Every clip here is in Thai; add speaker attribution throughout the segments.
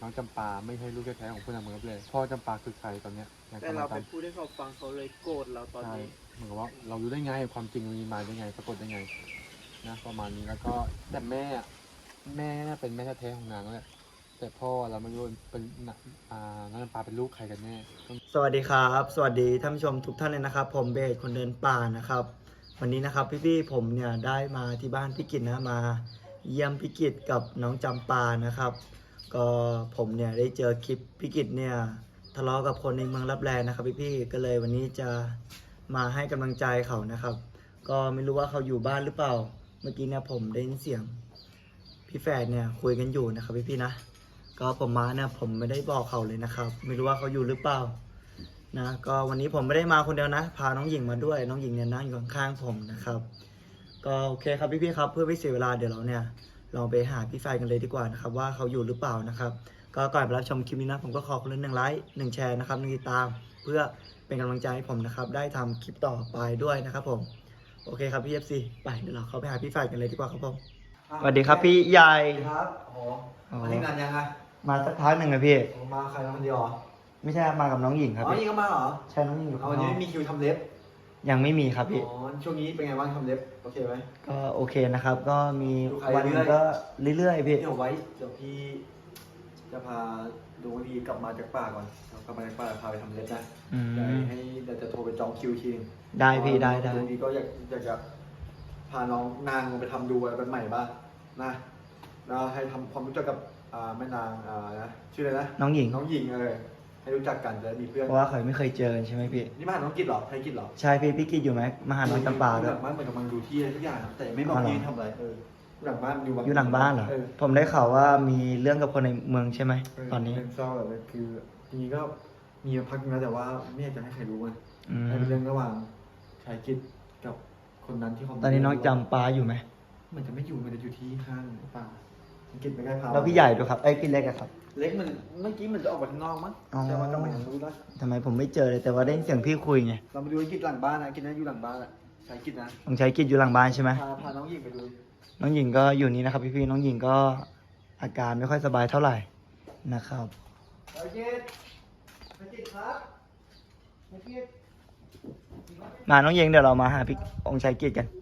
Speaker 1: น้องจำปาไม่ใช่ลูกแท้ๆของคุณอเมิร์ฟเลยพ่อจำปาคือใครตอนเนี้ย
Speaker 2: แต่เราไปพูดให้เขาฟังเขาเลยโกรธเราตอนนี้
Speaker 1: เหมือนกับว่าเรารู้ได้ไงความจริงมันมีมาได้ไงปรากฏได้ไงนะประมาณนี้แล้วก็แต่แม่น่าเป็นแม่แท้ๆของนางแหละแต่พ่อเราไม่รู้เป็นน้องจำปาเป็นลูกใครกันแน่
Speaker 3: สวัสดีครับสวัสดีท่านผู้ชมทุกท่านเลยนะครับผมเบสคนเดินป่านะครับวันนี้นะครับพี่ๆผมเนี่ยได้มาที่บ้านพี่กิตนะมาเยี่ยมพี่กิตกับน้องจำปานะครับก็ผมเนี่ยได้เจอคลิปพี่กิตเนี่ยทะเลาะกับคนในเมืองลับแลนะครับพี่ๆก็เลยวันนี้จะมาให้กำลังใจเขานะครับก็ไม่รู้ว่าเขาอยู่บ้านหรือเปล่าเมื่อกี้เนี่ยผมได้ยินเสียงพี่แฝดเนี่ยคุยกันอยู่นะครับพี่ๆนะก็ผมมาเนี่ยผมไม่ได้บอกเขาเลยนะครับไม่รู้ว่าเขาอยู่หรือเปล่านะก็วันนี้ผมไม่ได้มาคนเดียวนะพาน้องหญิงมาด้วยน้องหญิงเนี่ยนั่งอยู่ข้างๆผมนะครับก็โอเคครับพี่ๆครับเพื่อไม่เสียเวลาเดี๋ยวเราเนี่ยลองไปหาพี่แฝดกันเลยดีกว่านะครับว่าเขาอยู่หรือเปล่านะครับก็ก่อนไปรับชมคลิปนี้นะผมก็ขอคนละ1 ไลค์ 1 แชร์นะครับ1 ติดตามเพื่อเป็นกำลังใจให้ผมนะครับได้ทำคลิปต่อไปด้วยนะครับผมโอเคครับพี่ FC ไปเดี๋ยวเราเข้าไปหาพี่แฝดกันเลยดีกว่าครับผมสวัสดีครับพี่ใหญ่
Speaker 4: ครับโอ้มาที่งานยังไง
Speaker 3: มาสักพักหนึ่งนะพี่
Speaker 4: มาใครมาคนเดียวเหรอ
Speaker 3: ไม่ใช่มากับน้องหญิงครับ
Speaker 4: อ๋อ
Speaker 3: พี่
Speaker 4: นี่ก็มาเหรอ
Speaker 3: ใช่น้องหญิงอยู่
Speaker 4: เอา
Speaker 3: ข้าง
Speaker 4: วัน
Speaker 3: น
Speaker 4: นี้
Speaker 3: อก
Speaker 4: ไม่มีคิวทำเล็บ
Speaker 3: ยังไม่มีครับพี่
Speaker 4: อ๋อ ช่วงนี้เป็นไงบ้างทำเล็บ โอเคไหม
Speaker 3: ก็โอเคนะครับ ก็มี
Speaker 4: ดูใคร
Speaker 3: วันหนึงก็เรื่อยๆพี่
Speaker 4: เดี๋ยวไว้ เดี๋ยวพี่จะพาดูว่าพี่กลับมาจากป่าก่อนเรากลับมาจากป่าพาไปทำเล็บนะ
Speaker 3: อืม
Speaker 4: เดี๋ยวจะโทรไปจองคิวทีนึง
Speaker 3: ได้พี่ได้
Speaker 4: ดูดีก็อยากจะพาน้องนางไปทำดูอะไรเป็นใหม่บ้างนะแล้วให้ทำความรู้จักกับแม่นางนะชื่ออะไรนะ
Speaker 3: น้องหญิง
Speaker 4: น้องหญิงให้รู้จักกันจะได้มีเพื่อน
Speaker 3: เพราะว่าเคยไม่เคยเจอกันใช่ไหมพี่
Speaker 4: นี่มาหาน้องกิจเหรอไทยกิจเหรอ
Speaker 3: ใช่พี่กิจอยู่ไหมมาหาน้องจำปาด้วย
Speaker 4: หลังบ้านเหมือนกำลังดูที่อะไรทุกอย่างนะแต่ไม่บอก
Speaker 3: อ๋อเหรอ
Speaker 4: ที่ทำอะไรหลังบ้านอยู่
Speaker 3: อยู่หลังบ้านเหรอผมได้ข่าวว่ามีเรื่องกับคนในเมืองใช่ไหมตอนนี้
Speaker 4: เป็นเศร้าแบบคือจริงๆก็มีมาพักนึงแล้วแต่ว่าไม่อยากจะให้ใครรู้ไง
Speaker 3: อืม
Speaker 4: ให้เป็นเรื่องระหว่างชายกิจกับคนนั้นที่เขา
Speaker 3: ตอนนี้น้องจำปาอยู่ไหม
Speaker 4: มันจะไม่อยู่มันจะอยู่ที่ข้างป่ากิจไม่ได้พา
Speaker 3: แล้วพี่ใหญ่ด้วยครับไอ้ยพี่เล็กอะครับ
Speaker 4: เล็กมันเมื่อกี้มันจะออกไปข้างนอกมั้ง
Speaker 3: อ๋อ
Speaker 4: ใช่ไหมต้องไปทางนู้นนะ
Speaker 3: ทำไมผมไม่เจอเลยแต่ว่าได้ยินเสียงพี่คุยไง
Speaker 4: เรามาดูไอ้กิจหลังบ้านนะกิจนะอยู่หลังบ้านอะชายกิจนะ
Speaker 3: ต้องใช้กิจอยู่หลังบ้านใช่ไหม
Speaker 4: พาน้องหญิงไปดู
Speaker 3: น้องหญิงก็อยู่นี่นะครับพี่น้องหญิงก็อาการไม่ค่อยสบายเท่าไหร่นะครับ
Speaker 4: ชายกิจชายกิจครับชายกิจ
Speaker 3: มาน้องหญิงเดี๋ยวเรามาหาพี่องค์ชายกิจกัน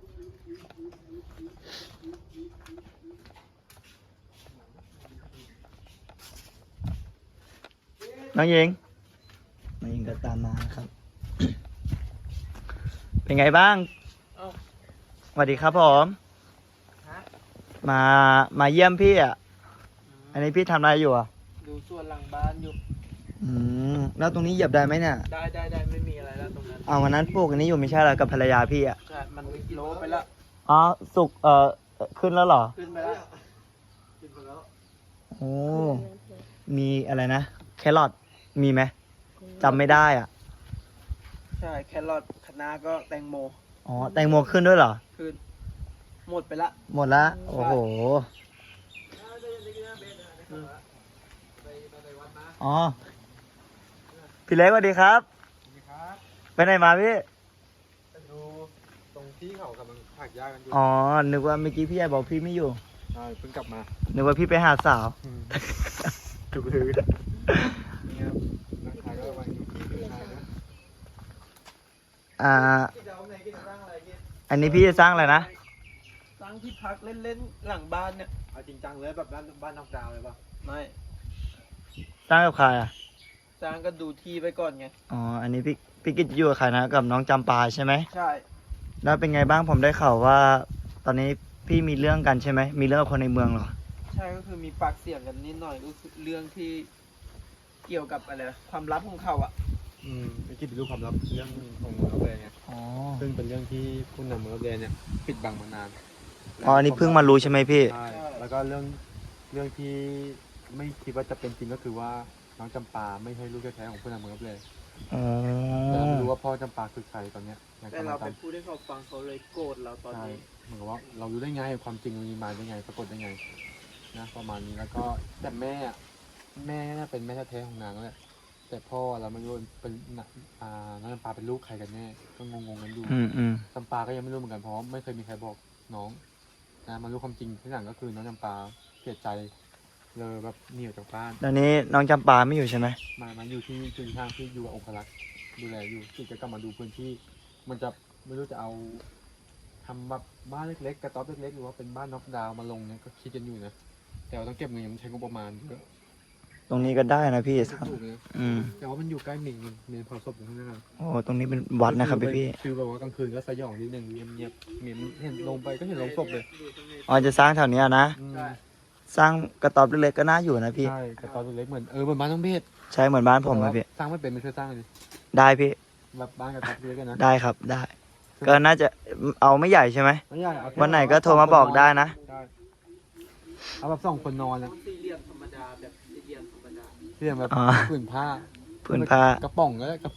Speaker 3: น้องหญิงก็ตามมาครับ เป็นไงบ้าง
Speaker 2: เอ้า
Speaker 3: สวัสดีครับผม
Speaker 2: ฮะ
Speaker 3: มาเยี่ยมพี่อ่ะอันนี้พี่ทำอะไรอยู่อ่ะ
Speaker 2: ดูส่วนหลังบ้านอยู่
Speaker 3: แล้วตรงนี้เหยียบได้ไหมเนี่ย
Speaker 2: ได้ไม่มีอะไรแล้วตรงนั้น
Speaker 3: เอาวันนั้นปลูกอันนี้อยู่ไม่ใช่เหรอกับภรรยาพี่อ่ะ
Speaker 2: ใช่มันโลไปแล้ว
Speaker 3: อ๋อสุกขึ้นแล้วเหรอ
Speaker 2: ขึ้นไปแล้ว
Speaker 4: กินไปแล้ว
Speaker 3: โอ้มีอะไรนะแครอทมีไหมจำไม่ได้อ่ะ
Speaker 2: ใช่แครอทคะน้าก็แตงโม
Speaker 3: อ๋อแตงโมขึ้นด้วยเหรอ
Speaker 2: ขึ้นหมดไปละ
Speaker 3: หมดละโอ้โหอ๋อพี่เล็กสวัสดีครับ
Speaker 1: ครับ
Speaker 3: ไปไหนมาพี่
Speaker 1: ไปดูตรงที่เขากำลังผักหญ้ากันอยู่
Speaker 3: อ๋อนึกว่าเมื่อกี้พี่ใหญ่บอกพี่ไม่อยู่
Speaker 1: ใช่เพิ่งกลับมา
Speaker 3: นึกว่าพี่ไปหาสาว
Speaker 1: ถูกเลยนี่ครับนักขายก็มาอยู่ที่ดูชายนะ
Speaker 4: กิจจะเอาไหนกิจจะสร้างอะไรกิจ
Speaker 3: อันนี้พี่จะสร้างอะไรนะ
Speaker 2: สร้างที่พักเล่นๆหลังบ้านเนี่ย
Speaker 1: เอาจริงจังเลยแบบบ้านนอกดาวเลยป่ะ
Speaker 2: ไม่
Speaker 3: สร้างกับใครอ่ะ
Speaker 2: สร้างก็ดูที่ไปก่อนไง
Speaker 3: อ๋ออันนี้พี่กิจอยู่กับใครนะกับน้องจำปาใช่ไหม
Speaker 2: ใช่
Speaker 3: แล้วเป็นไงบ้างผมได้ข่าวว่า ตอนนี้พี่มีเรื่องกันใช่ไหมมีเรื่องกับคนในเมืองเหรอ
Speaker 2: ใช่ก็คือมีปากเสียงกันนิดหน่อยก็คือเรื่องที่เกี่ยวกับอะไรความลับของเขาอ่ะ
Speaker 1: ไอ้คิดเป็นรูปความลับเรื่องของเมืองรับแลไง
Speaker 3: อ๋อ
Speaker 1: ซึ่งเป็นเรื่องที่ผู้นำเมืองรับแลเนี่ยปิดบังมานาน
Speaker 3: อ๋ออันนี้เพิ่งมารู้ใช่ไหมพี่
Speaker 1: ใช่แล้วก็เรื่องที่ไม่คิดว่าจะเป็นจริงก็คือว่าน้องจำปาไม่ใช่ลูกแท้ๆของผู้นำเมืองรับแล
Speaker 3: อ๋อ
Speaker 1: แต่เราไม่รู้ว่าพ่อจำปาคือใครตอนเนี้ยยัง
Speaker 2: แต่
Speaker 1: กำลั
Speaker 2: เรา
Speaker 1: ง
Speaker 2: ไป
Speaker 1: ตาม
Speaker 2: พูดให้เขาฟังเขาเลยโกรธเราตอน
Speaker 1: ใช่
Speaker 2: นี้
Speaker 1: เหมือนกับว่าเรารู้ได้ไงความจริงมันมีมาได้ไงปรากฏได้ไงนะประมาณนี้แล้วก็แต่แม่น่าเป็นแม่แท้ๆของนางแหละแต่พ่อเราไม่รู้เป็นน้องจำปาเป็นลูกใครกันแน่ก็งงๆกันอยู่ จำปาก็ยังไม่รู้เหมือนกันเพราะไม่เคยมีใครบอกน้องนะมารู้ความจริงที่หลังก็คือน้องจำปาเสียใจเลยแบบเหนียวจากบ้าน
Speaker 3: ตอนนี้น้องจำปาไม่อยู่ใช่ไหม
Speaker 1: มันอยู่ที่จุนทางที่อยู่กับองครักษ์ดูแลอยู่ที่จะกลับมาดูพื้นที่ มันจะไม่รู้จะเอาทำแบบบ้านเล็กๆกระต๊อบเล็กๆหรือว่าเป็นบ้านน็อกดาวน์มาลงเนี่ยก็คิดกันอยู่นะแต่ว่าต้องเก็บเงินมันใช้งบประมาณเยอะ
Speaker 3: ตรงนี้ก็ได้นะพี่
Speaker 1: ไม่
Speaker 3: ครับ
Speaker 1: ถูกนะ
Speaker 3: อืม
Speaker 1: แต่ว่ามันอยู่ใกล้เมนเผาศพอยู่ข้างหน้า
Speaker 3: โอ้ตรงนี้เป็นวัดนะครับพี่
Speaker 1: คือแบบว่ากลางคืนก็สยองนิดนึงเงียบๆเห็นลงไปก็เห็นลงศพเลย
Speaker 3: อ๋อจะสร้างแถวเนี้ยนะ
Speaker 1: อืม
Speaker 3: สร้างกระต๊อบเล็กๆก็น่าอยู่นะพี่
Speaker 1: ใช่กระต๊อบเล็กๆเหมือนเหมือนบ้านต้องเพศ
Speaker 3: ใช่เหมือนบ้านผมนะพี่
Speaker 1: สร้างไม่เป็นไม่ช่วยสร้างเลย
Speaker 3: ได้พี่
Speaker 1: แบบบ้านกระต๊อบเล็กกันนะ
Speaker 3: ได้ครับได้ ก็น่าจะเอาไม่ใหญ่ใช่ไหม
Speaker 1: ไม่ใหญ่เอาแค่
Speaker 3: วันไหนก็โทรมาบอกได้นะ
Speaker 1: ได้เอาแบบ2 คนนอนนะ
Speaker 2: สี่เหลี่ยมธรรมดาแบบสี่เหลี่ยมธรรมดา
Speaker 1: เรียกแบบ
Speaker 3: อ๋อ
Speaker 1: ผืนผ้า
Speaker 3: ผืนผ้าก
Speaker 1: ระป๋องก็ได้กระ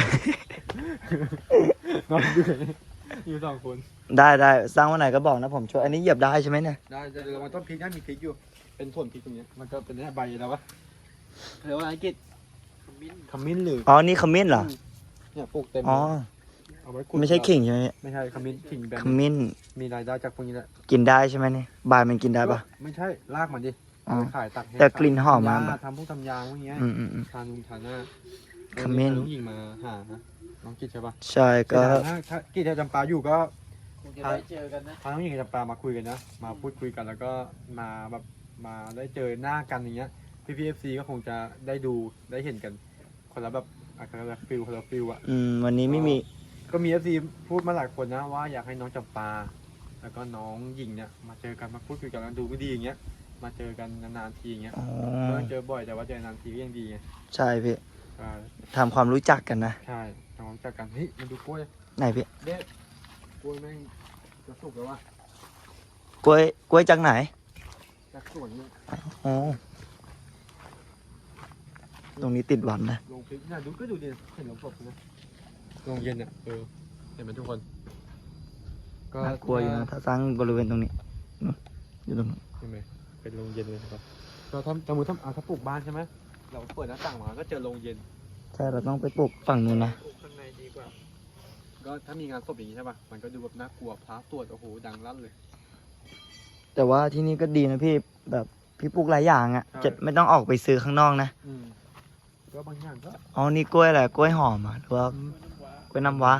Speaker 1: นอนอยู่2 คน
Speaker 3: ได้สร้างวันไหนก็บอกนะผมช่วยอันนี้เหยียบได้ใช่ไหมเนี่ย
Speaker 1: ได้เดี๋ยวมันต้นพริกนะมีพริกอยู่ เป็นส่วนพริกตรงเนี้ยมันก็เป็นใบแล้ววะเรียกว่าอะไรกิจ
Speaker 2: ขมิ้น
Speaker 1: ขมิ้นหรือ
Speaker 3: อ๋อนี่ขมิ้นเหรอ
Speaker 1: เนี่ยปลูกเต็ม
Speaker 3: อ๋อ
Speaker 1: เอาไว้ขุด
Speaker 3: ไม่ใช่ขิงใช่ไหม
Speaker 1: ไม่ใช่ขมิ้นขิงแบบ
Speaker 3: ขมิ้น
Speaker 1: มีรายได้จากพวกนี้แหละ
Speaker 3: กินได้ใช่ไหมเนี่ยใบมันกินได้ปะ
Speaker 1: ไม่ใช่รากมันดิ
Speaker 3: อ๋อ
Speaker 1: เอาไปขายตักให้
Speaker 3: แต่กลิ่นหอมมาก
Speaker 1: ทำยทำพวกทำยางพวกเนี้ย
Speaker 3: อืม
Speaker 1: ทานทานหน้า
Speaker 3: ขมิ้น
Speaker 1: น้องหญิงมาหานะน้องกิจใช่ปะ
Speaker 3: ใช่ก็
Speaker 1: ถ้ากิจจะจำปาอยู่ก็
Speaker 2: คงจะได้เจอกันนะ
Speaker 1: พาน้องหญิงกับจำปามาคุยกันนะมาพูดคุยกันแล้วก็มาแบบมาได้เจอหน้ากันอย่างเงี้ยพี่เอฟซีก็คงจะได้ดูได้เห็นกันคนละแบบคนละฟิลคนละฟิลอะ
Speaker 3: วันนี้ไม่มี
Speaker 1: ก็มีเอฟซีพูดมาหลายคนนะว่าอยากให้น้องจำปา แล้วก็น้องหญิงเนี่ยมาเจอกันมาพูดคุยกันแล้วดูไม่ดีอย่างเงี้ยมาเจอกันนานๆทีอย่างเงี้ย
Speaker 3: อ๋อ
Speaker 1: ไม่ต้องเจอบ่อยแต่ว่าเจอนานทีก็ยังดีไง
Speaker 3: ใช่พี่
Speaker 1: ใช่
Speaker 3: ทำความรู้จักกันนะ
Speaker 1: ใช่ทำความรู้จักกันเฮ้ยมันดูกล้วย
Speaker 3: ไหนพี่
Speaker 1: เด็ดกล้วยแม่งจะสุกแล้ววะ
Speaker 3: กล้วยจากไหน
Speaker 1: จากสวนเนี่ย
Speaker 3: อ๋อตรงนี้ติดวันนะ
Speaker 1: ลงพริกน่ะดูก็ดูดิเห็นลงศพนะลงเย็นเนี่ยเห็นไหมทุกคน ก็
Speaker 3: น่ากลัวอยู่นะถ้าสร้างบริเวณตรงนี้นู่นอยู่ตรงนู้น
Speaker 1: ใช่ไหมเป็นโรงเย็นเลยครับก็ถ้าสมมติถ้าปลูกบ้านใช่ไหมเราเปิดหน้าต่างมาก็เจอโรงเย็น
Speaker 3: ใช่เราต้องไปปลูกฝั่งนู้นนะ
Speaker 2: ข้างในดีกว่า
Speaker 1: ก็ถ้ามีงานศพอย่างนี้ใช่ป่ะมันก็ดูแบบน่ากลัวพระตรวจโอ้โหดังลั่นเลย
Speaker 3: แต่ว่าที่นี่ก็ดีนะพี่แบบพี่ปลูกหลายอย่างอ่ะ
Speaker 1: ใช่
Speaker 3: จะไม่ต้องออกไปซื้อข้างนอกนะ
Speaker 1: ก็บางอย่างก็
Speaker 3: อ๋อนี่กล้วยอะไรกล้วยหอมอ่ะหรือว่ากล้วยน้ำว้า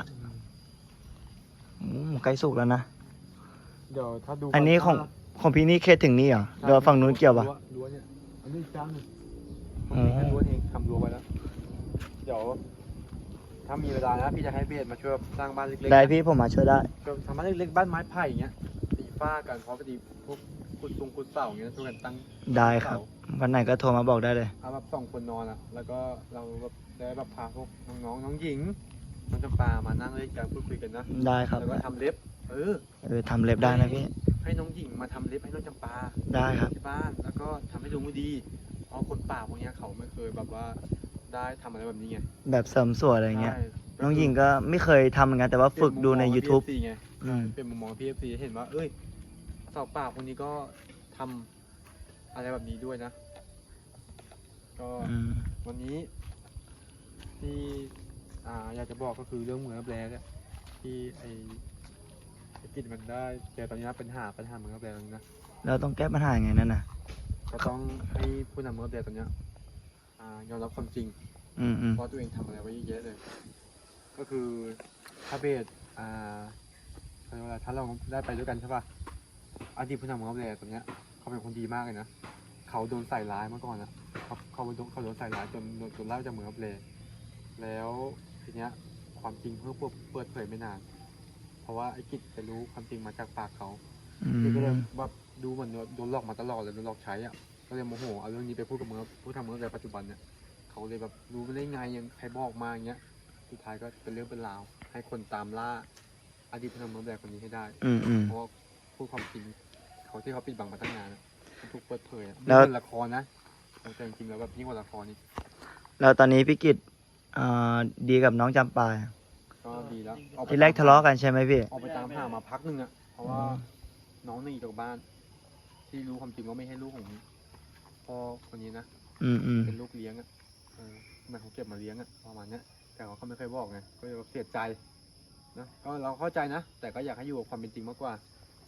Speaker 3: ใกล้สุกแล้วนะ
Speaker 1: เดี๋ยวถ้าดู
Speaker 3: อันนี้ของพี่นี่เขตถึงนี่เหรอหรือว่าฝั่งนู้นเกี่ยวปะ
Speaker 1: รั้วเนี่ยอันนี้อีกจ้างหนึ่ง
Speaker 3: อ๋อ
Speaker 1: แค่รั้วเองทำรั้วไว้แล้วเดี๋ยวถ้ามีเวลานะพี่จะให้เบสมาช่วยสร้างบ้านเล็กๆ
Speaker 3: ได้พี่ผมมาช่วยได้
Speaker 1: ก็ทำบ้านเล็กๆบ้านไม้ไผ่อย่างเงี้ยตีฝ้ากันเพราะพอดีพวกขุดเสาอย่างเงี้ยช่วยกันตั้ง
Speaker 3: ได้ครับ วันไหนก็โทรมาบอกได้เลย
Speaker 1: เอาแบบ2 คนนอนอ่ะแล้วก็เราแบบได้แบบพาพวกน้องๆน้องหญิงน้องจำปามานั่งเล่นกันพูดคุยกันนะ
Speaker 3: ได้ครับ
Speaker 1: แล้วก็ทำเล็บ
Speaker 3: ทำเล็บได้นะพี่
Speaker 1: ให้น้องหญิงมาทำเล็บให้น้องจำปา
Speaker 3: ได้ครับ
Speaker 1: ที่บ้านแล้วก็ทำให้ดูไม่ดีเพราะคนป่าพวกเนี้ยเขาไม่เคยแบบว่าได้ทำอะไรแบบนี้ไง
Speaker 3: แบบเสริมสวยอะไรเงี้ย
Speaker 1: ใช่
Speaker 3: น้องหญิงก็ไม่เคยทำเหมือนกันแต่ว่าฝึกดูใน YouTube
Speaker 1: เปลี่ยนมุมมอง PFC ไง
Speaker 3: อืม
Speaker 1: เป็นมุมมองพีเอฟซีเห็นว่าเอ้ยสาวป่าคนนี้ก็ทำอะไรแบบนี้ด้วยนะ ก็
Speaker 3: อืม
Speaker 1: วันนี้ที่อยากจะบอกก็คือเรื่องเหมืองรับแร่เนี่ยที่ไอ้กิจมันได้เจอตอนนี้ปัญหาเหมืองรับแร่ตรงนี้นะ
Speaker 3: เราต้องแก้ปัญหายังไงนั่นน่ะ
Speaker 1: ก็ต้องให้ผู้นำเหมืองรับแร่ตรงเนี้ยยอมรับความจริง
Speaker 3: อืม
Speaker 1: เพราะตัวเองทำอะไรไว้เยอะแยะเลย ก็คือถ้าเบสเขาเรียกว่าอะไรถ้าเราได้ไปด้วยกันใช่ป่ะอดีตผู้นำเหมืองรับแร่ตรงเนี้ยเขาเป็นคนดีมากเลยนะเขาโดนใส่ร้ายเมื่อก่อนอ่ะเขาโดนใส่ร้ายจนไล่จากเหมืองรับแร่แล้วทีเนี้ยความจริงเพิ่งเปิดเผยไม่นาน เพราะว่าไอ้กิจไปรู้ความจริงมาจากปากเขา
Speaker 3: อื
Speaker 1: กิจก็เลย
Speaker 3: ม
Speaker 1: แบบดูเหมือนโดนหลอกมาตลอดเลยโดนหลอกใช้อ่ะก็เลยโมโหเอาเรื่องนี้ไปพูดกับผู้ทำเหมืองรับแร่ปัจจุบันเนี่ยเขาเลยแบบรู้ไม่ได้ไงยังใครบอกมาอย่างเงี้ยสุดท้ายก็เป็นเรื่องเป็นราวให้คนตามล่าอดีตผู้นำเหมืองรับแร่คนนี้ให้ได้
Speaker 3: อืม
Speaker 1: เพราะว่าพูดความจริงเขาที่เขาปิดบังมาตั้งนานอะมันถูกเปิดเผยอะ
Speaker 3: แล้ว
Speaker 1: นี่เป็นละครนะแต่จริงๆแล้วแบบยิ่งกว่าละครนี่
Speaker 3: แล้วตอนนี้พี่กิตดีกับน้องจำปา
Speaker 1: ก็ดีแล้วออกไป
Speaker 3: ที่แรกทะเลาะกันใช่ไหมพี่
Speaker 1: ออกไปตามหามาพักหนึงอ่ะเพราะว่าน้องหนีจากบ้าน ที่รู้ความจริงว่าไม่ให้ลูกของพ่อคนนี้นะ
Speaker 3: อืม
Speaker 1: เป็นลูกเลี้ยงอ่ะเหมันเขาเก็บมาเลี้ยงอ่ะประมาณเนี้ยแต่เขาก็ไม่เคยบอกไงก็เลยแบบเสียใจนะก็เราเข้าใจนะแต่ก็อยากให้อยู่กับความเป็นจริงมากกว่า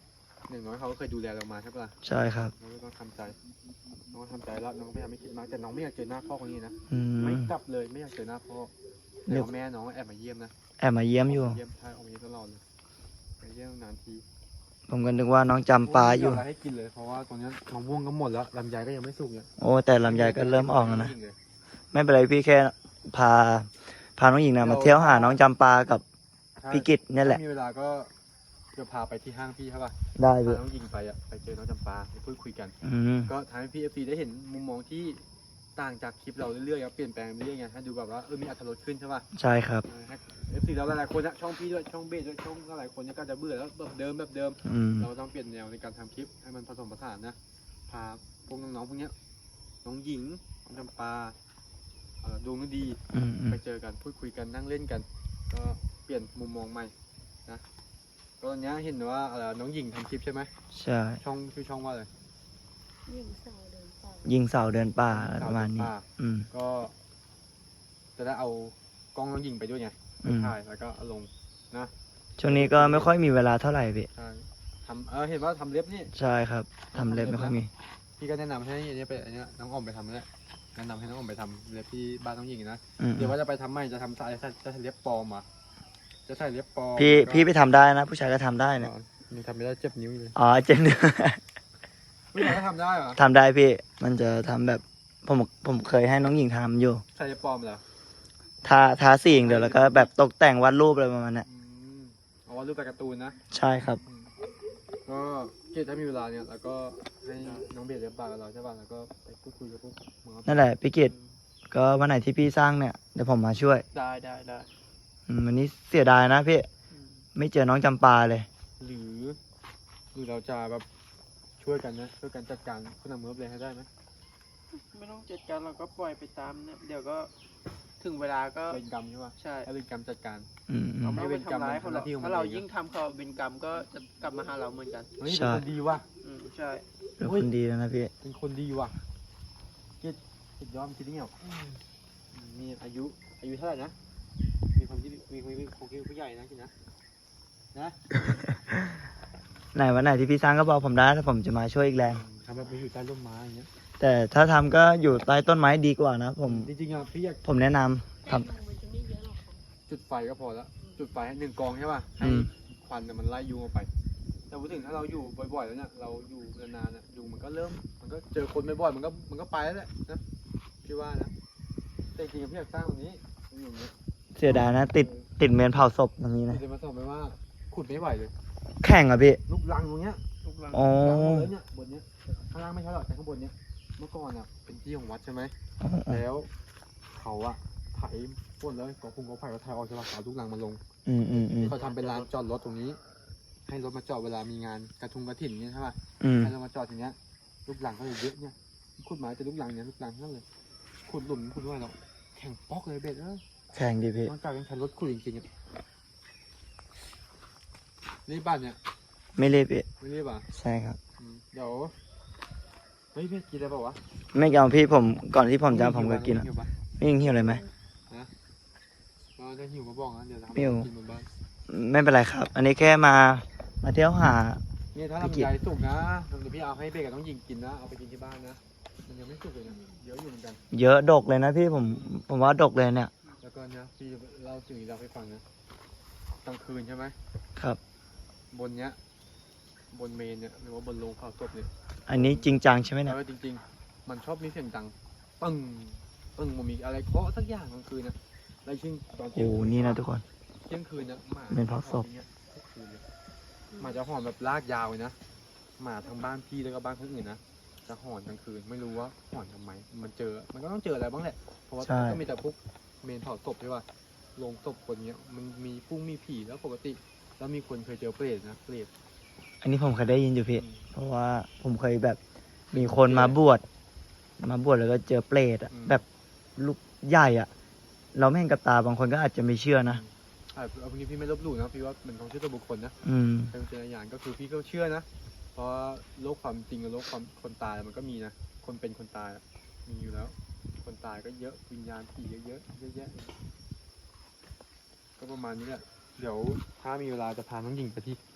Speaker 1: อย่างน้อยเขาก็เคยดูแลเรามาใช่ปะล่ะ
Speaker 3: ใช่ครับ
Speaker 1: น้องก็ต้องทำใจน้องก็ทำใจแล้วน้องพยายามไม่คิดมากแต่น้องไม่อยากเจอหน้าพ่อคนนี้นะ
Speaker 3: อื
Speaker 1: ไม่
Speaker 3: ม
Speaker 1: กลับเลยไม่อยากเจอหน้าพ่อ
Speaker 3: เดี๋
Speaker 1: แต่
Speaker 3: ยว
Speaker 1: ว่าแม่น้องแอบมาเยี่ยมนะ
Speaker 3: แอบมาเยี่ยมอยู่
Speaker 1: เยี่ยมใช่ออกมาเยี่ยมตลอดเลยมาเยี่ยมนานที
Speaker 3: ผมก็นึกว่าน้องจำปาอยู่
Speaker 1: ไม่มีอะไรให้กินเลยเพราะว่าตอนนี้มะม่วงก็หมดแล้วลำไยก็ยังไม่สุกเนี่ย
Speaker 3: โอ้แต่ลำไยก็เริ่มออกแล้วนะ ไม่เป็นไรพี่แค่พาน้องหญิงนะมาเที่ยวหาน้องจำปากับ
Speaker 1: ใช่
Speaker 3: พี่กิตเนี่ยแหละ
Speaker 1: ถ้ามีเวลาก็จะพาไปที่ห้างพี่ใช่ป่ะ
Speaker 3: ได้
Speaker 1: พา
Speaker 3: พี่
Speaker 1: น้องยิงไปอ่ะไปเจอน้องจำปาไปพูดคุยกัน
Speaker 3: อืม
Speaker 1: ก็ทำให้พี่เอฟซีได้เห็นมุมมองที่ต่างจากคลิปเราเรื่อยๆครับเปลี่ยนแปลงเรื่อยๆไงให้ดูแบบว่ามีอรรถรสขึ้นใช่ป่ะ
Speaker 3: ใช่ครับ
Speaker 1: เอฟซีเราหลายๆคนนะช่องพี่ด้วยช่องเบสด้วยช่องหลายๆคนเนี่ยก็จะเบื่อแล้วแบบเดิม
Speaker 3: อืม
Speaker 1: เราต้องเปลี่ยนแนวในการทำคลิปให้มันผสมผสานนะพาพวกน้องๆพวกเนี้ยน้องหญิงน้องจำปาดวงฤดี
Speaker 3: อืมอืม
Speaker 1: ไปเจอกันพูดคุยกันนั่งเล่นกัน ก็เปลี่ยนมุมมองใหม่นะก็ตอนนี้เห็นว่าน้องหญิงทำคลิปใช่ไหม
Speaker 3: ใช่
Speaker 1: ช่องชื่อช่องว่าอะไร
Speaker 5: ยิงเสาเดินป่า
Speaker 3: ยิงเสาเดินป่าอะไรประมาณนี้
Speaker 1: ป่
Speaker 3: อืม
Speaker 1: ก็จะได้เอากล้องน้องหญิงไปด้วยไง
Speaker 3: อืม
Speaker 1: ถ่ายแล้วก็เอาลงนะ
Speaker 3: ช่วงนี้ก็ไม่ค่อยมีเวลาเท่าไหร่พี่
Speaker 1: ใช่ทำเห็นว่าทำเล็บนี่
Speaker 3: ใช่ครับทำเล็บไม่ค่อยมี
Speaker 1: พี่ก็แนะนำให้อันนี้ไปอันนี้น้องออมไปทำแล้วแนะนำให้น้องออมไปทำเล็บที่บ้านน้องหญิงนะ
Speaker 3: อืม
Speaker 1: เดี๋ยวว่าจะไปทำใหม่จะทำจะใส่เล็บปลอมอ่ะจะใส่เล็บปลอม
Speaker 3: พี่ไปทำได้นะ ผู้ชายก็ทำได้นะ
Speaker 1: มันทำไม่ได้เจ็บนิ้วเลย
Speaker 3: อ๋อเจน
Speaker 1: ผู้ชายก็ทำได้เหรอ
Speaker 3: ทำได้พี่ มันจะทำแบบผมเคยให้น้องหญิงทำอยู่
Speaker 1: ใส่เล็บปลอมเหรอ
Speaker 3: ทาสีอย่างเดียวแล้วก็แบบตกแต่งวาดรูปอะไรประมาณนั้น
Speaker 1: เอาว่ารูปแบบการ์ตูนนะ
Speaker 3: ใช่ครับ
Speaker 1: ก็เกดถ้ามีเวลาเนี่ยแล้วก็ให้น้องเบสเลี้ยงปลากับเราใช่ป่ะแล้วก็ไปพูดคุยกับพวกมึงเอา
Speaker 3: นั่นแหละพี่กิตก็วันไหนที่พี่สร้างเนี่ยเดี๋ยวผมมาช่วย
Speaker 2: ได้
Speaker 3: วันนี้เสียดายนะพี่
Speaker 2: อืม
Speaker 3: ไม่เจอน้องจำปาเลย
Speaker 1: หรือเราจะแบบช่วยกันนะช่วยกันจัดการผู้นำเมืองเลยให้ได้ไหม
Speaker 2: ไม่ต้องจัดการเราก็ปล่อยไปตามเนี่ยเดี๋ยวก็ถึงเวลาก็
Speaker 1: เป็นกรรมใช่ป่ะ
Speaker 2: ใช่
Speaker 1: ให้เป็นกรรมจัดการ
Speaker 3: อืมอื
Speaker 2: เรา
Speaker 3: ม
Speaker 2: ไม่ต้องไปทำร้ายเขาหรอก
Speaker 1: เป็นกรรม
Speaker 2: ถ้าเรา
Speaker 1: เป็นหน้าที่ของมันเอง
Speaker 2: ยิ่งทำเขาเป็นกรรมก็จะกลับมาหาเราเหมือนกัน
Speaker 1: เฮ้ย
Speaker 3: ใช่
Speaker 1: เป็นคนดีว่ะ
Speaker 2: ใช่
Speaker 3: เป็นคนดีแล้วนะพี่
Speaker 1: เป็นคนดีว่ะเกดสุดยอดคิดได้ไงวะมีอายุเท่าไหร่นะมีความคิดผู้ใหญ่นะคิดนะนะ
Speaker 3: ไหนวันไหนที่พี่สร้างก็บอกผมได้ถ้าผมจะมาช่วยอีกแรง
Speaker 1: ทำแบบไปอยู่ใต้ร่มไม้อย่างเงี้ย
Speaker 3: แต่ถ้าทำก็อยู่ใต้ต้นไม้ดีกว่านะผม
Speaker 1: จริงๆอ่ะพี่อยาก
Speaker 3: ผมแนะนำท
Speaker 5: แต่มันจะไม่เยอะหรอกค่ะ
Speaker 1: จุดไฟก็พอแล้วจุดไฟให้1 กองใช่ป่ะ
Speaker 3: ำ
Speaker 1: ให้
Speaker 3: อืม
Speaker 1: ควันเนี่ยมันไล่ยุงออกไป แต่พูดถึงถ้าเราอยู่บ่อยๆแล้วเนี่ยเราอยู่นานๆเนี่ยยุงมันก็เจอคนบ่อยๆมันก็ไปแล้วแหละนะพี่ว่านะแต่จริงๆพี่อยากสร้างตรงนี้อย่างเงี้ย
Speaker 3: เสียดายนะ ติดเมนเผาศพตรงนี้นะ
Speaker 1: จะมาสอบไปว่าขุดไม่ไหวเลย
Speaker 3: แข่งอ่ะพี่
Speaker 1: ลูกรังตรงเนี้ย
Speaker 2: ทุกหลัง
Speaker 3: อ๋อ
Speaker 1: รังหมดเลยเนี่ยบนเนี้ยข้างล่างไม่ใช่หรอกแต่ข้างบนเนี้ยเมื่อก่อนอ่ะเป็นที่ของวัดใช่ไหมแล้วเขาอะไถพ่นแล้วกอพุงกอไผ่ก็ไถออกจะมาเอาลูกรังมาลง
Speaker 3: อืมอืมอืม
Speaker 1: เขาทำเป็นลานจอดรถตรงนี้ ให้รถมาจอดเวลามีงานกระถิ่นเนี่ยใช่ป่ะ
Speaker 3: อืม
Speaker 1: ให้รถมาจอดอย่างเงี้ยลูกหลังก็เลยเยอะเนี่ยขุดไม้แต่ลูกหลังเนี่ยลูกหลังทั้งนั้นเลยขุดหลุมขุดด้วยเราแข่งป๊อกเลยเบ็ดเออ
Speaker 3: แข่งดิพี่
Speaker 1: มันกลายเป็นคันรถขุดจริงๆอ่ะรีบบ้านเนี่ย
Speaker 3: ไม่รีบพี่
Speaker 1: ไม่รีบอ่ะ
Speaker 3: ใช่ครับ
Speaker 1: เดี๋ยวเฮ้ยพี่กินอะไรเปล่าวะ
Speaker 3: ไม่เอาพี่ผมก่อนที่ผมจะผมก็กิน
Speaker 1: หิวปะ
Speaker 3: พี่ยิงหิวเลยไหม
Speaker 1: เราจะหิวมาบอกนะเดี๋ยวทำ
Speaker 3: หิว
Speaker 1: กินบนบ้าน
Speaker 3: ไม่เป็นไรครับ อันนี้แค่มาเที่ยวหา
Speaker 1: นี่ถ้า
Speaker 3: พี่กิน
Speaker 1: ลำไยสุกนะเดี๋ยวพี่เอาให้เบกับน้องหญิงกินนะเอาไปกินที่บ้านนะมันยังไม่สุกเลยนะเยอะอยู่เหมือนกัน
Speaker 3: เยอะดกเลยนะพี่ผมว่าดกเลยเนี่ย
Speaker 1: แล้วก็เนี่ยพี่เล่าสิ่งนี้เราให้ฟังนะกลางคืนใช่ไหม
Speaker 3: ครับ
Speaker 1: บนเนี้ยบนเมนเนี่ยหรือว่าบนโรงเผาศพเนี่ย
Speaker 3: อันนี้จริงจังใช่ไหมเนี่ย
Speaker 1: แล้วจริงๆ มันชอบมีเสียงดังปึ้งมันมีอะไรเคาะสักอย่างกลางคืนนะแล้วยิ่งตอนเที่ย
Speaker 3: โอ้
Speaker 1: ง
Speaker 3: นี่นะทุกคน
Speaker 1: เที่ยงคืนนะหมา
Speaker 3: เป็นเผาศพ
Speaker 1: หอนอย่างเงี้ยทุกคืนเลยหมาจะหอนแบบลากยาวเลยนะหมาทางบ้านพี่แล้วก็บ้านคนอื่นนะจะหอนกลางคืนไม่รู้ว่าหอนทำไมมันก็ต้องเจออะไรบ้างแหละเพราะว่า
Speaker 3: ใช่
Speaker 1: ก็มีแต่พวกเมนเผาศพใช่ป่ะโรงศพคนเนี้ยมันมีพุ่งมีผีแล้วปกติ แล้วมีคนเคยเจอเปรตนะเปรต
Speaker 3: อันนี้ผมเคยได้ยินอยู่พี่ เพราะว่าผมเคยแบบมีคนมาบวชแล้วก็เจอเปรตอะแบบลูกใหญ่อะเราไม่เห็นกับตาบางคนก็อาจจะไม่เชื่อนะ
Speaker 1: เอาพวกนี้พี่ไม่ลบหลู่นะพี่ว่ามันของชื่อตัวบุคคลนะ
Speaker 3: อืม
Speaker 1: เป็นวิจารณญาณก็คือพี่ก็เชื่อนะ เพราะโลกความจริงกับโลกความคนตายมันก็มีนะ คนเป็นคนตายอะมีอยู่แล้ว คนตายก็เยอะวิญญาณผีเยอะเยอะแยะก็ประมาณนี้แหละเดี๋ยวถ้ามีเวลาจะพาน้องหญิงไปที่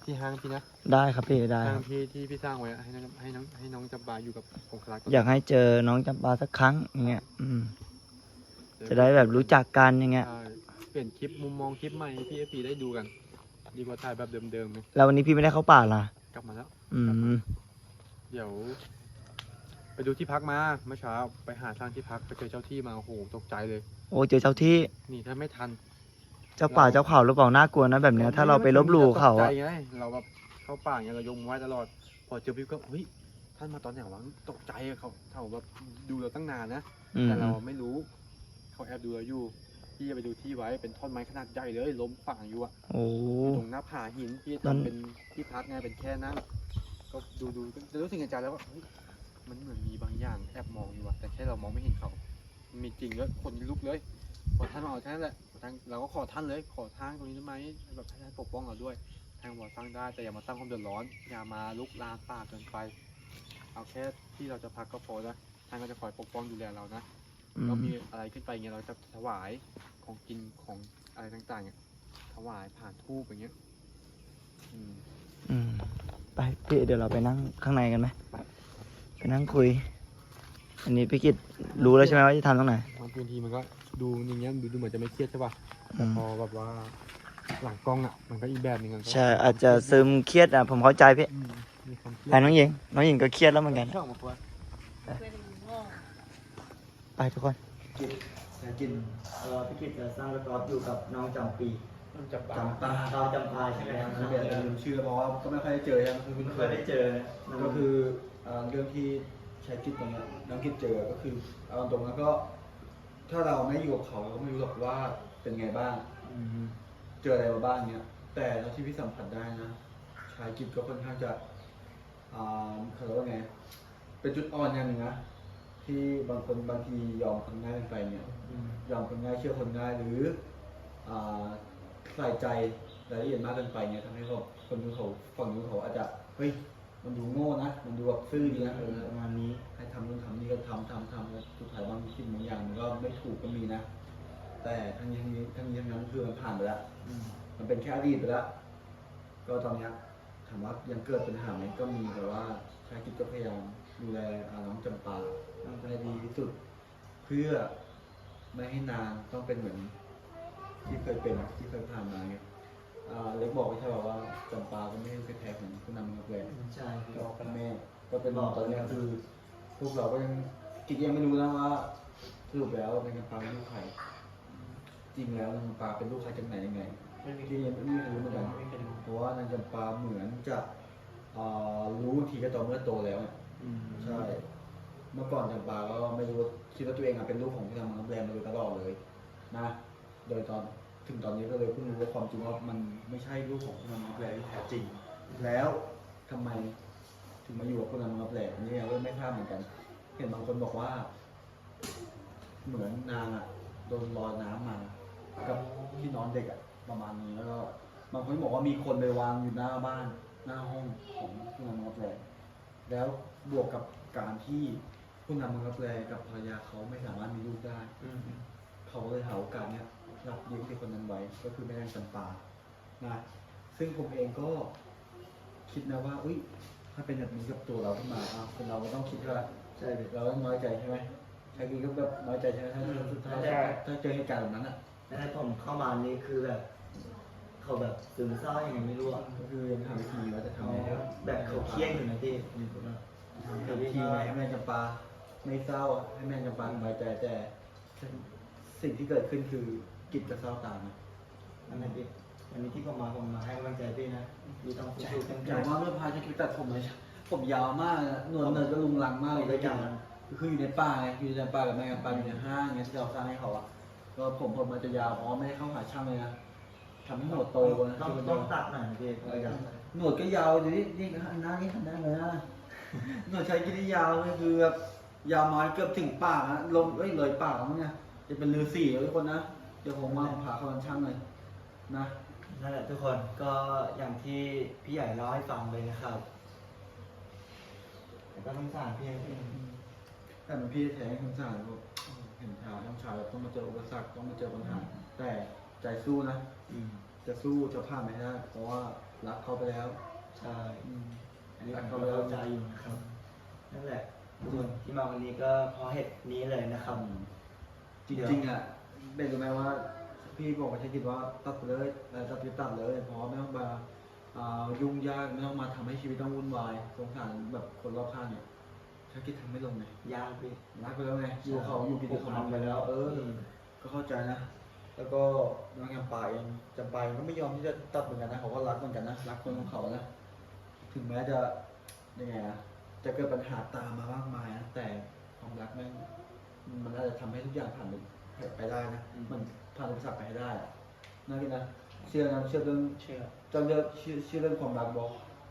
Speaker 1: ที่ห้างพี่นะ
Speaker 3: ได้ครับพี่ได้ค
Speaker 1: ห้าง
Speaker 3: รับ
Speaker 1: ที่พี่สร้างไว้อะให้น้องจำปาอยู่กับองคลักษ์
Speaker 3: อยากให้เจอน้องจำปาสักครั้งอย่างเงี้ยจะได้แบบรู้จักกันอย่างเงี้ย
Speaker 1: ใช่เปลี่ยนคลิปมุมมองคลิปใหม่ให้พี่เอฟซีได้ดูกัน ดีกว่าถ่ายแบบเดิมๆไหม
Speaker 3: แล้ววันนี้พี่ไม่ได้เข้าป่าล่ะ
Speaker 1: กลับมาแล้ว
Speaker 3: อืม
Speaker 1: เดี๋ยว ไปดูที่พักมาเมื่อเช้าไปหาทางที่พักไปเจอเจ้าที่มาโอ้โหตกใจเลย
Speaker 3: โอ้เจอเจ้าที่
Speaker 1: นี่ถ้าไม่ทัน
Speaker 3: เจ้าป่าเจ้าเขาหรือเปล่าน่ากลัวนะแบบเนี้ยถ้าเราไปลบหลู่เขา
Speaker 1: ตกใจ
Speaker 3: อะ
Speaker 1: ไงเราแบบเข้าป่าไงเรายกมือไหว้ตลอด พอเจอพี่ก็เฮ้ยท่านมาตอนไหนวะตกใจอะเขาแบบดูเราตั้งนานนะ
Speaker 3: อืม
Speaker 1: แต่เราไม่รู้เขาแอบดูเราอยู่พี่จะไปดูที่ไว้เป็นท่อนไม้ขนาดใหญ่เลยล้มฝั่งอยู่อะ
Speaker 3: โอ้
Speaker 1: อยู่ตรงหน้าผาหินพี่
Speaker 3: มัน
Speaker 1: ทำเป็นที่พักไงเป็นแค่นั่งก็ดูจะรู้สึกในใจแล้วว่าเฮ้ยมันเหมือนมีบางอย่างแอบมองอยู่อะแต่แค่เรามองไม่เห็นเขามันมีจริงด้วยคนลุกเลยพอท่านมาเอาแค่นั้นแหละท่านเราก็ขอท่านเลยขอทางตรงนี้ได้ไหมแบบให้ท่านปกป้องเราด้วยทางบอกสร้างได้แต่อย่ามาตั้งความเดือดร้อนอย่ามาลุกลามป่าเกินไปเอาแค่ที่เราจะพักก็พอแล้วท่านก็จะคอยปกป้องดูแลเรานะ
Speaker 3: อื
Speaker 1: ก็
Speaker 3: ม
Speaker 1: มีอะไรขึ้นไปเงี้ยเราจะถวายของกินของอะไรต่างๆเนี่ยถวายผ่านทูบอย่างเงี้ยอืม
Speaker 3: อืมไปพี่เดี๋ยวเราไปนั่งข้างในกันไหม
Speaker 1: ไป
Speaker 3: ไปนั่งคุย อันนี้พี่กิตรู้แล้วใช่ไหมว่าจะทำตรงไหน
Speaker 1: บางทีมันก็ดูอย่างเงี้ยดูเหมือนจะไม่เครียดใช่ป่ะ
Speaker 3: อืม
Speaker 1: พอแบบว่าหลังกล้องอ่ะมันก็อีกแบบหนึงมันก็
Speaker 3: ใช่อาจจะซึมเครียดอ่ะผมเข้าใจพี่
Speaker 1: อืมมีความเครีย
Speaker 3: ไป
Speaker 1: ด
Speaker 3: น้องหญิงน้องหญิงก็เครียดแล้วเหมือนกัน
Speaker 1: ชอบมาคุย
Speaker 5: เป็นว่า
Speaker 3: ไปทุกคนกิตจะกินพี่กิตจะสร้างรถกอล์ฟอยู่กับน้องจำปี
Speaker 1: มันจะปา
Speaker 3: จำปาเราจำปาใช่ไหมครับ
Speaker 4: ไม่เป็นลืมชื่อเพราะว่าก็ไม่ค่อยได้เจอใช่ไหมคือ
Speaker 3: ไม่เคยได้เจอ
Speaker 4: ก็คือเรื่องที่ใช้กิจตรงเนี้ยน้องกิจเจอก็คือเอาตรงแล้วก็ ถ้าเราไม่อยู่กับเขาเราก็ไม่รู้หรอกว่าเป็นไงบ้าง
Speaker 3: ม
Speaker 4: เจออะไรมาบ้างเนี้ยแต่เท่าที่พี่สัมผัสได้นะชายกิจก็ค่อนข้างจะเขาเรียกว่าไงเป็นจุดอ่อนอย่างหนึ่งนะที่บางคนบางทียอมคนง่ายเกินไปเนี่ย ยอมคนง่ายเชื่อคนง่ายหรืออ่าใส่ใจรายละเอียดมากเกินไปเนี่ยทำให้เขาคนดูเขาฝั่งนู้นเขาอาจจะเฮ้ยมันดูโง่นะมันดูแบบซื่อดีนะ
Speaker 3: ประมาณนี้
Speaker 4: ให้ทำนู่นทำนี่ก็ทำแล้วสุดท้ายบางสิ่งบางอย่างมันก็ไม่ถูกก็มีนะ แต่ทั้งนี้ทั้งนั้นคือมันผ่านไปแล้วมันเป็นแค่อดีตไปแล้วก็ตอนเนี้ยถามว่ายังเกิดปัญหาไหมก็มีแต่ว่าชายกิจก็พยายามดูแลน้องจำปาให้ดีที่สุด เพื่อไม่ให้นางต้องเป็นเหมือนที่เคยเป็นที่เคยผ่านมาไงเล็กบอกไม่ใช่ว่าจำปาก็ไม่ได้แพ้ของผู้นำนักแรง
Speaker 3: ใช่
Speaker 4: กับแม่ก็เป็นตอนนี้คือพวกเราก็ยังกิจยังไม่รู้นะว่าสรุปแล้วนางจำปาเป็นลูกใครจริงแล้วนางจำปาเป็นลูกใครจากไหนยังไงที่ยังไม่รู้เหมือนกันเพราะว่านางจำปาเหมือนจะรู้ทีก็ตอนเมื่อโตแล้วใช่เมื่อก่อนจำปาก็ไม่รู้คิดว่าตัวเองเป็นลูกของผู้นำนักแรงมาโดยตลอดเลยนะโดยถึงตอนนี้ก็เลยเพิ่งรู้ว่าความจริงว่ามันไม่ใช่ลูกของผู้นำนักแรงที่แท้จริงแล้วทำไม ถึงมาอยู่กับคนนั้นมาแปลกนี่ก็ไม่ทราบเหมือนกัน เห็นบางคนบอกว่า เหมือนนางโดนลอยน้ำมากับที่นอนเด็กประมาณนี้แล้วก็บางคนบอกว่ามีคนไปวางอยู่หน้าบ้านหน้าห้องของผู้นำมาแปลกแล้วบวกกับการที่ผู้นำมาแปลกับภรรยาเขาไม่สามารถมีลูกได้เขาเลยหาโอกาสเนี้ยรับเลี้ยงเด็กคนนั้นไว้ก็คือแม่นางจำปานะซึ่งผมเองก็คิดนะว่าอุ้ย ถ้าเป็นแบบนี้กับตัวเราขึ้นมาคนเราก็ต้องคิดว่าใช่เราต้องน้อยใจใช่ไหมใครกินก็แบบน้อยใจใช่ไหมถ้าสุดท้ายถ้าเจอเหตุการณ์แบบนั้น
Speaker 3: แล้วให้ผมเข้ามานี่คือแบบเขาแบบซึมเศร้ายังไงไม่รู้อ่ะ
Speaker 4: ก็คือยังหาวิธีว่าจะทำยังไง
Speaker 3: แบบเขาเครียดอยู่นะพี่
Speaker 4: หาวิธีให้แม่จำปาไม่เศร้าให้แม่จำปาสบายใจแต่สิ่งที่เกิดขึ้นคือกิจจะเศร้าตามนะ
Speaker 3: นั่นแหละพี่วันนี้ที่ผมมาให้กำลังใจพี่นะพี่ต้องสู้ๆตั้งใจ
Speaker 4: อย่างว่าเมื่อพาจะคิดตัดผมเลยผมยาวมากหนวดเนิร์ก็ลุงลังมากเลยด้วยกันคืออยู่ในป่าไงอยู่ในป่ากับแม่กับป่าอยู่ในห้างเงี้ยที่เราสร้างให้เขาก็ผมมันจะยาวไม่ได้เข้าหาช่างเลยนะทำให้หนวดโตนะ
Speaker 3: ต้องตัดหน่อยพี่
Speaker 4: หนวดก็ยาวอยู่นี่หันหน้านี่หันหน้าเลยนะหนวดใช้กินยาวเลยคือแบบยาวมาเกือบถึงปากนะลงเลยปากมั้งเนี่ยจะเป็นฤาษีทุกคนนะเดี๋ยวผมว่าผ่าเขาช่างเลยนะ
Speaker 3: นั่นแหละทุกคนก็อย่างที่พี่ใหญ่เล่าให้ฟังเลยนะครับแต่ก็ต้องสารพี่พี่
Speaker 4: แต่มันพี่แท้สงสารเห็นชาวต้องชาวต้องมาเจออุปสรรคต้องมาเจอปัญหาแต่ใจสู้นะจะสู้จะผ่านไม่ได้เพราะว่าผรักเขาไปแล้ว
Speaker 3: ใช่
Speaker 4: อืม
Speaker 3: อันนี้ผมก็เข้าใจอยู่นะครับนั่นแหละทุกคนที่มาวันนี้ก็เพราะเหตุนี้เลยนะครับ
Speaker 4: จริงๆอ่ะเป็นรู้ไหมว่าพี่บอกว่าใช้คิดว่าตัดไปเลยตัดไปตัดเลยเพราะไม่ต้องมายุ่งยากไม่ต้องมาทำให้ชีวิตต้องวุ่นวายสงสารแบบคนรอบข้างเนี่ยถ้าคิดทำไม่ลงไง
Speaker 3: ยากพี่
Speaker 4: รักไปแล้วไงอยู่เขาอยู่กินเขาทำไปแล้ว ก็เข้าใจนะ แล้วก็น้องจำปาเองจำปาเองก็ไม่ยอมที่จะตัดเหมือนกันนะเขาก็รักเหมือนกันนะรักคนของเขานะถึงแม้จะยังไงอะจะเกิดปัญหาตามมามากมายนะแต่ความรักแม่งมันอาจจะทำให้ทุกอย่างผ่านไปได้นะมันผ่านอุปสรรคไปให้ได้อะน่ากินนะเชื่อนะเชื่อเรื่อง
Speaker 3: เชื่อ
Speaker 4: จะเลือกเชื่อเรื่องความรักบอก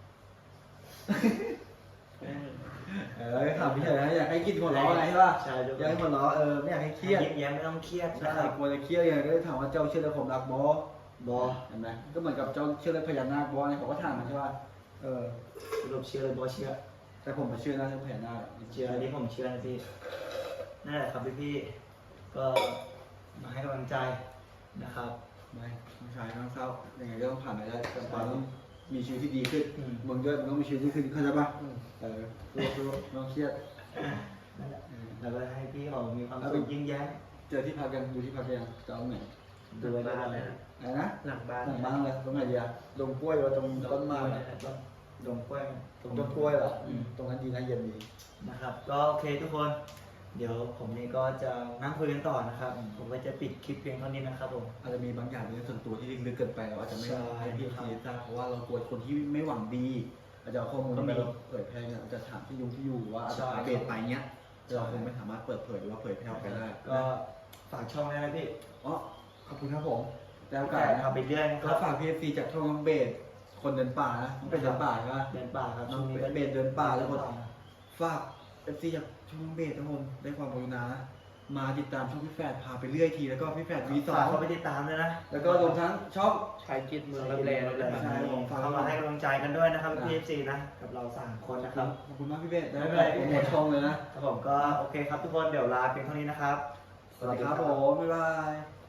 Speaker 4: ถามพี่เฉยนะอยากให้กินหัวเราะอะไรใช่ป่ะ
Speaker 3: ใช่ทุก
Speaker 4: อ
Speaker 3: ค
Speaker 4: ยากให้
Speaker 3: น
Speaker 4: หัวเราะไม่อยากให้เครียด
Speaker 3: ยิ้มแย้มไม่ต้องเครียด
Speaker 4: ใช่
Speaker 3: นะครับ
Speaker 4: กลัวจะเครียดไงก็เลยถามว่าเจ้าเชื่อเรื่องความรักบอบ
Speaker 3: อ
Speaker 4: เห็นไหมก็เหมือนกับเจ้าเชื่อเรื่องพญานาคบอเนี่ยเขาก็ถามมันใช่ป่ะ
Speaker 3: สรุปเชื่อเลยบอเชื่อ
Speaker 4: แต่ผมมาเชื่อนะเรื่องพญานาค
Speaker 3: เชื่ออันนี้ผมเชื่อนะพี่นั่นแหละครับพี่ๆก็มาให้กำลังใจนะครับ
Speaker 4: ไม่ต้องใช้ต้องเศร้ายังไงก็ต้องผ่านไปได้จำเป็นต้องมีชีวิตที่ดีขึ้น
Speaker 3: อืม
Speaker 4: มึงด้วยมึงต้องมีชีวิตที่ดีขึ้นเข้าใจป่ะรู้ไม่ต้องเครียด
Speaker 3: นั่นแหละแล้วก็ให้พี่เขามีความสุขยิ้มแย้ม
Speaker 4: เจอที่พักกันดูที่พักยังจะเอาไหน
Speaker 3: ดูไว้ได้เลย
Speaker 4: อะไรนะ
Speaker 2: หลังบ้าน
Speaker 4: หลังบ้านเลยตรงไหนดีอะตรงกล้วยหรือว่าตรงต้นไม้อะ
Speaker 3: ดงกล้วย
Speaker 4: ตรงต้นกล้วยเหรอตรงนั้นดีนะเย็นดี
Speaker 3: นะครับ ก็โอเคทุกคน เดี๋ยวผมนี่ก็จะนั่งคุยกันต่อนะครับ ผมก็จะปิดคลิปเพียงเท่านี้นะครับผม
Speaker 4: อาจจะมีบางอย่างในส่วนตัวที่ลึกๆเกินไปเราอาจจะไม่
Speaker 3: ใช่
Speaker 4: ให้พี่ซีทราบเพราะว่าเรากลัวคนที่ไม่หวังดีอาจจะเอาข้อมูลที่เราเผยแพร่เนี่ยอาจจะถามที่อยู่ว่าอาจจะพาเบสไปเงี้ยเราคงไม่สามารถเปิดเผยหรือว่าเผยแพร่ออกไปได้
Speaker 3: ก็ฝากช่องได้นะพี่
Speaker 4: อ๋อขอบคุณครับผมแล้วโอ
Speaker 3: แต่
Speaker 4: กาสนะค
Speaker 3: ทำ
Speaker 4: รับ
Speaker 3: ไปเรื่อยนะค
Speaker 4: ก็
Speaker 3: รับ
Speaker 4: ฝากพีเอฟซีจากช่องน้องเบสคนเดินป่านะน้องเบสเดินป่าใช่ไหม
Speaker 3: เดินป่าครับ
Speaker 4: น้องเบสเดินป่าแล้วคนฝากเอฟซีจากช่องน้องเบสทุกคนได้ความกรุณามาติดตามช่องพี่แฝดพาไปเรื่อยทีแล้วก็พี่แฝดวีสอ
Speaker 3: ฝาก
Speaker 4: ง
Speaker 3: เขาไปติดตามด้วยนะ
Speaker 4: แล้วก็รวมทั้งช่อง
Speaker 2: ชายกิจเมืองรับแลด้วยนะครับ
Speaker 4: ใช่ผมฟัง
Speaker 3: เข้ามาให้กำลังใจกันด้วยนะครับพี่ซีนะกับเรา3คนนะครับ
Speaker 4: ขอบคุณมากพี่เบสได้
Speaker 3: ไม่
Speaker 4: ไป
Speaker 3: เป็นไร
Speaker 4: โปรโมทช่องเลยนะ
Speaker 3: ครับผมก็โอเคครับทุกคนเดี๋ยวลาเพียงเท่านี้นะครับ
Speaker 4: สวัสดีครับผม บ๊ายบาย